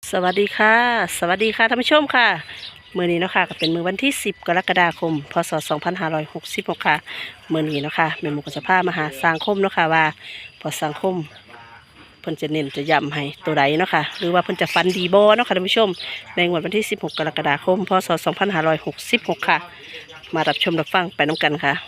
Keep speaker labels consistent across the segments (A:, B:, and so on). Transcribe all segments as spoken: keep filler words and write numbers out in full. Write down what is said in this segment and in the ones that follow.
A: สวัสดีค่ะสวัสดีค่ะท่านผู้ชมค่ะมื้อนี้เนาะค่ะก็เป็นมื้อวันที่สิบกรกฎาคมพศสองพันห้าร้อยหกสิบหกค่ะมื้อนี้เนาะค่ะแม่หมู่ก็จะพามาหาสังคมเนาะค่ะว่าพอสังคมเพิ่นจะเน้นจะย้ำให้ตัวใดเนาะค่ะหรือว่าเพิ่นจะฟันดีบ่เนาะค่ะท่านผู้ชมในงวดวันที่สิบหกกรกฎาคมพศสองพันห้าร้อยหกสิบหกค่ะมารับชมรับฟังไปน้ำกันค่ะ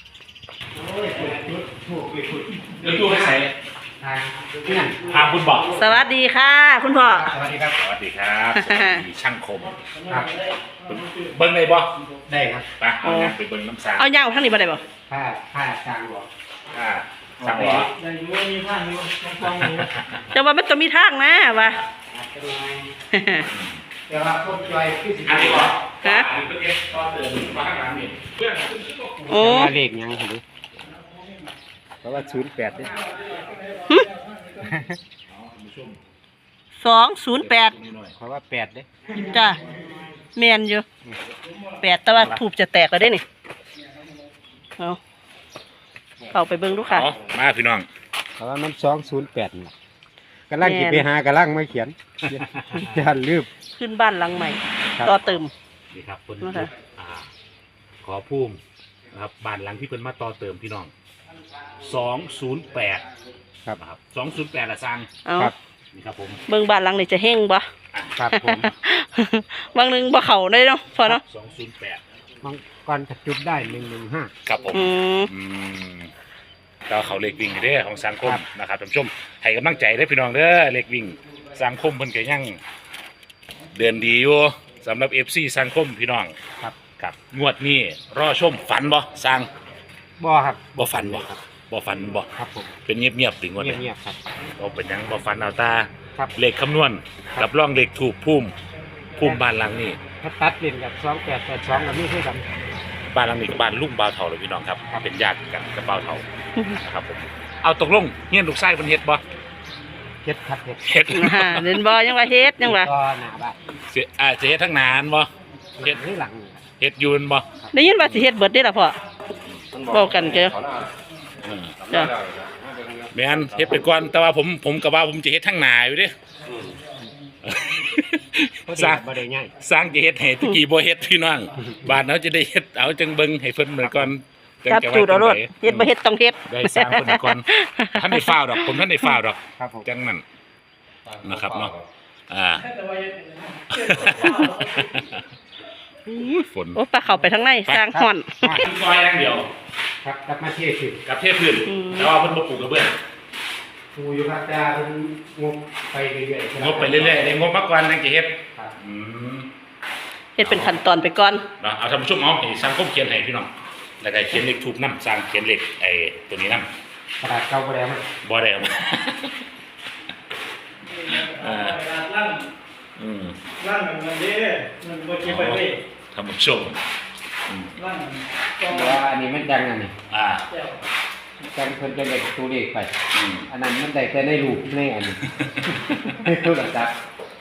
B: เดี๋ยวตู้ให้ใส่
C: ทางที่นั่น
B: พาคุณบอก
A: สวัสดีค่ะ คุณพ่อ
C: สวัสดีครับ
B: สวัสดีครับสวัสดีช่างคม
C: ครับ
B: เบิ้งได้บ่
C: ได้ครับ
B: ไปเอางานไปเบิ้งน้ำสาง
A: เอายาวทั้งนี้บ่ได้บ่
C: ผ้าผ้าจางหัว
B: อ่าสั่งหัว
C: ได้อยู่มีผ้าอยู่ฟองอยู่
A: จะว่ามันต้องมีทางนะว่า
C: อาจจะมีแต่ว่าพวกจอยคือสิบ
B: อันนี้บ่
A: ฮะ
B: อันนี้เพิ่งเอ็กซ์ต่อเติมมาข้างหลังนี่เพื่อนขึ้นขึ้นก็กู
A: โอ้
C: เลขยังครับเพราะว่าศูนย์แปดเนี่ย
A: หึสองศูนย์แปด
C: เพราะว่าแปดเนี่ย
A: จ้ะแมนอยู่แปดแต่ว่าถูกจะแตกแล้วได้นี่เอาเข้าไปเบิ่งดูค่ะ
B: เอามาพี่น้อง
C: เพราะว่ามันสองศูนย์แปดนี่กำลังกินไปหากำลังไม่เขียนยันลืม
A: ขึ้นบ้านหลังใหม่
C: ครับ
A: ต่อเติม
B: นี่ครับคน
A: นะคะ
B: อ่าขอภูมินะครับบ้านหลังที่เพิ่นมาต่อเติมพี่น้องสองศูนย์แปด
C: ครับ
B: นะครับสองศูนย์แปดละสร้าง
A: เอา
C: ครับ
B: นี่ครับผม
A: เบิ่งบ้านหลังนี่จะเฮงบ่
C: ครับผม
A: บางหนึงบ่เข้าได้เนาะพอเนาะ
B: สองศูนย์แปด
C: มังกรจุดได้หนึ่งหนึ่งห้า
B: ครับผม
A: อืม
B: อืมก็เขาเล็กวิ่งอยู่เด้อของสังคม
C: ครับ
B: นะครับท่านผู้ชมให้กำลังใจได้อพี่น้องเด้อเล็กวิ่งสังคมเพิ่นก็ยังเดินดีอยู่สำหรับ เอฟ ซี สังคมพี่น้อง
C: ครับ
B: ครับงวดนี้รอชมฝันบ่สร้าง
C: บ่ครับ
B: บ่ฝันบ่บ่ฝันบ่
C: ครับผม
B: เป็นเงียบๆถึงวันนี้
C: เงียบๆครับ
B: บ่เป็นหยังบ่ฝันเอาตา
C: ครับ
B: เลขคำนวณ
C: ครับ
B: กับร่องเลขถูกภูมิภูมิบ้านหลังนี้
C: ถ้าตัดเล่นกับสองแปดแปดสองกับนี่คือกัน
B: บ้านหลังนี้กับบ้านลุงบ่าวเฒ่าเลยพี่น้องครับ
C: ครับ
B: เป็นญาติกันกับบ่าวเฒ่านะครับผมเอาตกลงเฮียนลูกชายเพิ่นเฮ็ดบ่
C: เฮ็ดครับเฮ็ด
B: เฮ็ด
A: อ่าเล่นบ่ยังว่าเฮ็ดยังว่า
C: ก็หนาบ้าน
B: เสียอาเสียทั้งนานบ่เฮ็ด
C: ที่หลังนี่ครับ
B: เฮ็ดยูนบ่
A: ได้ยินว่าสิเฮ็ดเบิดได้ล่ะพ่อเว้ากันเจ้อ
B: เออ
A: จ้ะ
B: แม่นเฮ็ดไปก่อนแต่ว่าผมผมก็ว่าผมจะเฮ็ดทั้งหนาอยู่เด้
C: พอดี
B: สร้าง
C: บ่ได้ง่าย
B: สร้างจะเฮ็ดให้ตะกี้บ่เฮ็ดพี่น้องบ้านเฮาจะได้เฮ็ดเอาจังเบิ่งให้เพิ่นเหมือนก่อน
A: จับจูดเอาโลดเฮ็ดบ่เฮ็ดต้องเฮ็ด
B: ได้สร้างเพิ่นก่อนท่านได้ฟ้าวดอกผมท่านได้ฟ้าวดอก
C: ครับผม
B: จังนั้นนะครับเนาะอ่าอุ้ยฝน
A: โอ้ปลาเข้าไปทางในสร้างฮ้อน
C: ครับ
B: ซอยอย่างเดียว
C: ครับกลับมาเที่ยวสิ
B: กับเทพื้น
A: อืม
B: แต่ว่าเพิ่นบ่ปลูกกระเบื้อง
C: ครูอยู่ครับจะเป็นงบไปเรื่อยๆ
B: งบไปเรื่อยๆได้งบมาก่อนจังจะเฮ็ด
C: ครับ
B: อืม
A: เฮ็ดเป็นขั้นตอนไปก่อน
B: เนาะเอาท่านผู้ชมเอาให้สังคมเขียนให้พี่น้องแล้วก็เขียนเลขทูบนำสร้างเขียนเลขไอ้ตัวนี้นำ
C: กระดาษเก่าบ่ได้มั้ย
B: บ่ได้เอามาเอ่า
D: ลั่น
B: อืม
D: ลั่นมันเด้มันบ่เก็บไปเลย
B: ท่านผู้ชมอืม
D: ลั่น
C: เพราะว่าอันนี้มันดังอันนี้
B: อ่า
D: แก้ว
C: จังเพิ่นจะได้ตัวเลขไป
B: อืม
C: อันนั้นมันได้แต่ในรูปในอันนี้ในโทรศัพท์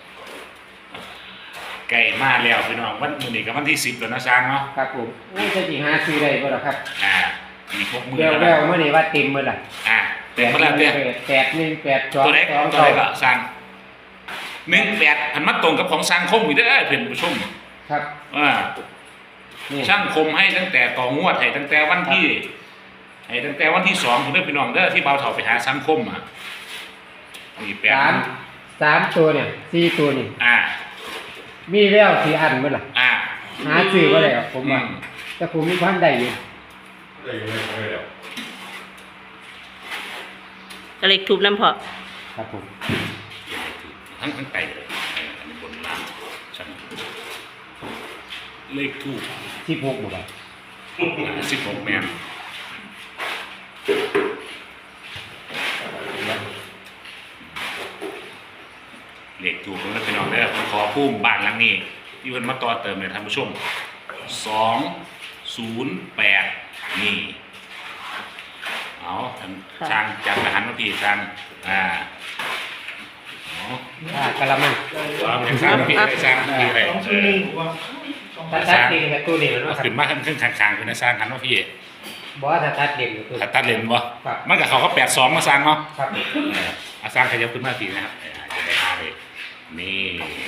B: ไก่มาแล้วพี่น้องวันมื้อนี้ก็วันที่สิบแล้วนะสร้างเนาะ
C: ครับผมโอ้ยจะสิหาซื้อได้บ่ล่ะครับ
B: อ่าอีกหกมื้อ
C: แวว
B: แล้ว
C: แววๆมื้อนี้ว่าเต็มหมดล่ะ
B: อ่าเต็มหมดแล้วเด้อ
C: แปดหนึ่งแปดสอง
B: ตัวไหน
C: สอง
B: ตัวไหนก็สร้างหนึ่งแปดพันมัดตรงกับของสร้างคมอีกเด้อเพื่อนผู้ชม
C: ครับ
B: อ่า
C: นี่
B: ช่างคมให้ตั้งแต่ต่องวดให้ตั้งแต่วันที่ให้ตั้งแต่วันที่สองคุณเด้อพี่น้องเด้อที่เบาเถาไปหาสังคมอ่ะนี่แปด
C: สามสามตัวเนี่ยสี่ตัวนี่
B: อ่า
C: มีแววสิอันบ่ล่ะ
B: อ่า
C: หาซื้อบ่ได้ครับผมว่า
B: อืม
C: แต่ผมมีความได้อยู่
A: ก็เลยทุบน้ำพอ
C: ครับผม
B: ทั้งทั้งไก่เลยอันนี้บนล่างช่างเลขทูบ
C: สิบหกบ่ล่ะ
B: สิบหกแมนเลขทูบของพี่น้องเด้อผมขอพุ่มบ้านหลังนี้ที่เพิ่นมาต่อเติมเลยท่านผู้ชมสองศูนย์แปดนี่เอาท่านช่างจับอาหารมาพี่ช่างอ่าเอา
C: อ่ากะละมัง
B: เอาเป็นช่างมาพี่ได้ช่างพี่ได้
D: สอง
B: เอ
D: ชั่วโม
B: อง
D: ผมว่า
C: ถ้าตัดเด่นกับตัวนี้มัน
B: เอา
C: ว่าครับ
B: ขึ้นมาขึ้นข้างๆขึ้นนะช่างหันมาพี่
C: บ่ว่าถ้าตัดเด่นก็คือ
B: ถ้าตัดเลนบ่
C: ครับ
B: มันกับเขาก็แปดสองมาสร้างเนาะ
C: ครับ
B: เอออาสร้างขยับขึ้นมาทีนะครับเออจะได้หาเลยนี่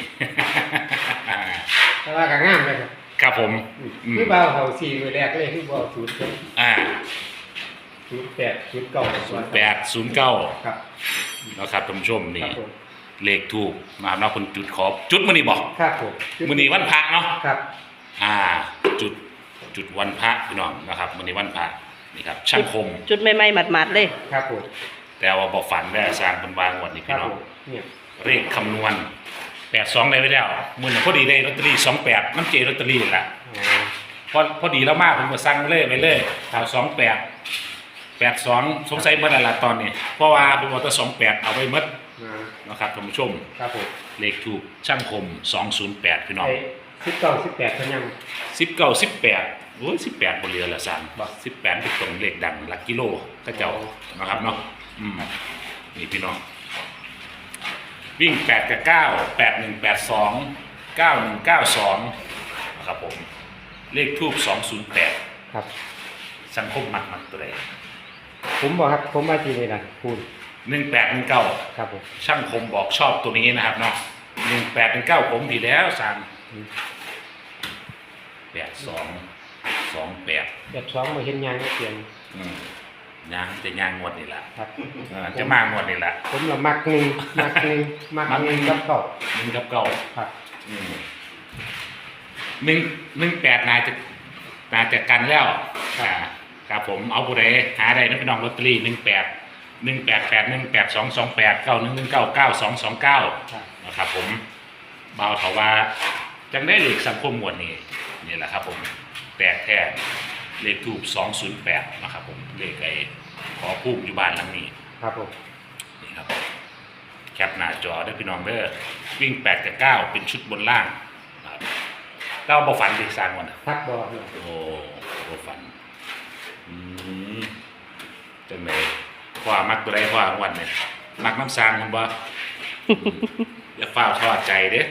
C: แต่ว่าก็งามเลยครับ
B: ครับผมอืม
C: คือเบาเขาสี่มือแรกเลยคือเบาศูนย์
B: อ่า
C: ศูนย์แปดศูนย์เก้า
B: ศูนย์แปดศูนย์เก้า
C: ครับ
B: นะครับท่านผู้ชม
C: ค
B: นี่
C: รับผม
B: เลขถูกนะครับเนาะคนจุดขอจุดมื้อนี้บอก
C: ครับผม
B: มื้อนี้วันพระเนาะ
C: ครับ
B: อ่า จุดจุดวันพระพี่น้องนะครับมื้อนี้วันพระนี่ครับช่างคม
A: จุดใหม่ๆหมัดๆเลย
C: ครับผม
B: แต่ว่าบ่ฝันได้สร้างเป็นวางวันนี้
C: ค
B: พี่
C: รับ
B: น้อ
C: ผ
B: ง
C: มเนี่ย
B: เลขคำนวณแปดสองได้ไว้แล้วมื้อนั้นพอดีได้ลอตเตอรี่สองแปดน้ำเจลอตเตอรี่นั่นล่ะ
C: อ๋อ
B: พอพอดีแล้วมากผมก็สั่งเลยไปเลยเอาสองแปดแปดสองสงสัยเมื่อไรละตอนนี้เพราะว่าผมเอาแต่สองแปดเอาไปหมด
C: อ่า
B: นะครับท่านผู้ชม
C: ครับผม
B: เลขถูกช่างคมสองศูนย์แปดพี่น้อง
C: ไอ้สิบเก้าสิบแปดเขายัง
B: สิบเก้าสิบแปดโอ้ยสิบแปดบนเรือละสามสิบแปดเป็นตรงเลขดังหลักกิโลก็เจ้านะครับเนาะอืมนี่พี่น้องวิ่งแปดกับเก้าแปดหนึ่งแปดสองเก้าหนึ่งเก้าสองนะครับผมเลขทูบสองศูนย์แปด
C: ครับ
B: สังคมมักมักตัวใด
C: ผมบอกครับผมมาที่นี่นะพูด
B: หนึ่งแปดหนึ่งเก้า
C: ครับผม
B: ช่างคมบอกชอบตัวนี้นะครับเนาะหนึ่งแปดหนึ่งเก้าผมผิดแล้วสั่ง
C: อืม
B: แปดสองสองแปด
C: แบบสองมาเห็นยางเสียง
B: อืมยางจะยางงวดนี่แหละ
C: ครับ
B: เออจะมางวดนี่แหละ
C: ผมละมักหนึ่งมักหนึ่งมักหนึ่งกับเก้า
B: หนึ่งกับเก้า
C: ครับ
B: อืมหนึ่งหนึ่งแปดนายจะนายจะกันแล้วอ่าครับผมเอาผู้ใดหาได้นะพี่น้องลอตเตอรี่หนึ่งแปดหนึ่งแปดแปดหนึ่งแปดสองสองแปดเก้าหนึ่งหนึ่งเก้าเก้าสองสองเก้า
C: ครับ
B: นะครับผมเบาเถาว่าจังได้เลขสังคมหมวดนี้นี่แหละครับผมแตกแท้เลขทูบสองศูนย์แปดนะครับผมเลขไอ้ขอภูมิอยู่บ้านหลังนี้
C: ครับผม
B: นี่ครับแคปหน้าจอได้อพี่น้องเด้อวิ่งแปดกับเก้าเป็นชุดบนล่างนะครับเก้าบ่ฝันเด็กสร้างวันน่ะ
C: ทักบอกเนี่ย
B: โอ้บ่ฝันอืมจังไหนคว้ามักตัวใดคว้างวันเนี่ยมักน้ำสร้างมันบ่ อย่าฝ้าวทอดใจเด้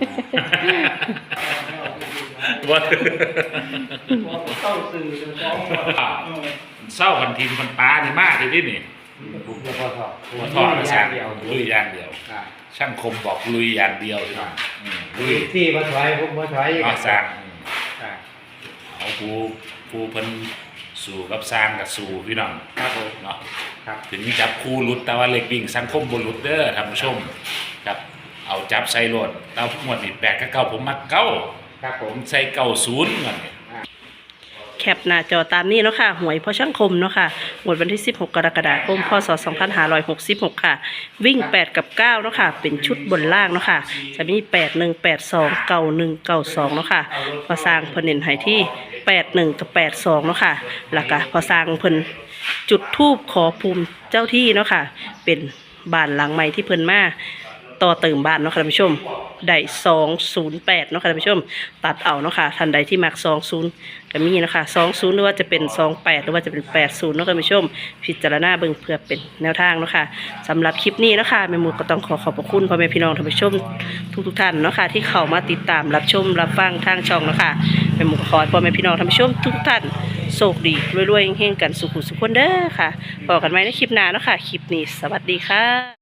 B: ว่า
D: เข้าสื่อจะฟ้องว่า
B: เศร้าพันทีมพันปลานี่มากเลยดินี่
C: ผมจะพอทอด
B: หัวทอดนะ
C: อ
B: ช่า
C: ย่าง งเดียว
B: ลุยอย่างเดียว
C: อ่า
B: ช่างคมบอกลุยอย่างเดียวพี่น้องอืมลุย
C: ที่มาถอยผมมาถอย
B: เนาะสร้างอืม
C: อ่า
B: เอาผู้ผู้เพิ่นสู่กับสร้างกับสู่พี่น้อง
C: ครับผม
B: เนาะ
C: ครับ
B: ถึงจับคู่หลุดแต่ว่าเล็กวิ่งสังคมบนหลุดเด้อท่านผู้ชมครับเอาจับใส่โหลดเอาหมวดนี่แปดกับเก้าผมมักเก้า
C: ครับผ
B: ผม มใส่เก้าศูนย์เงินนี่
A: แคปหน้าจอตามนี้เนาะค่ะหวยพ่อช่างคมเนาะค่ะงวดวันที่สิบหกกรกฎาคมพศสองพันห้าร้อยหกสิบหกค่ะ วิ่งแปดกับเก้าเนาะค่ะเป็นชุดบนล่างเนาะค่ะจะมีแปดหนึ่งแปดสองเก้าหนึ่งเก้าสองเนาะค่ะพอสร้างเพิ่นเน้นให้ที่แปดหนึ่งกับแปดสองเนาะค่ะแล้วก็พอสร้างเพิ่นจุดธูปขอภูมิเจ้าที่เนาะค่ะเป็นบ้านหลังใหม่ที่เพิ่นมาต่อเติมบ้านเนาะค่ะท่านผู้ชมได้สองศูนย์แปดเนาะค่ะท่านผู้ชมตัดเอาเนาะค่ะท่านใดที่มักสองศูนย์ก็มีเนาะค่ะสองศูนย์หรือว่าจะเป็นสองแปดหรือว่าจะเป็นแปดศูนย์เนาะค่ะท่านผู้ชมพิจารณาเบิ่งเพื่อเป็นแนวทางเนาะค่ะสำหรับคลิปนี้เนาะค่ะแม่หมูก็ต้องขอขอบพระคุณพ่อแม่พี่น้องท่านผู้ชมทุกๆท่านเนาะค่ะที่เข้ามาติดตามรับชมรับฟังทางช่องเนาะค่ะแม่หมูก็ขอให้พ่อแม่พี่น้องท่านผู้ชมทุกท่านโชคดีรวยๆเฮงๆกันสุขุสุขคนเด้อค่ะบอกกันไว้ในคลิปหน้าเนาะค่ะคลิปนี้สวัสดีค่ะ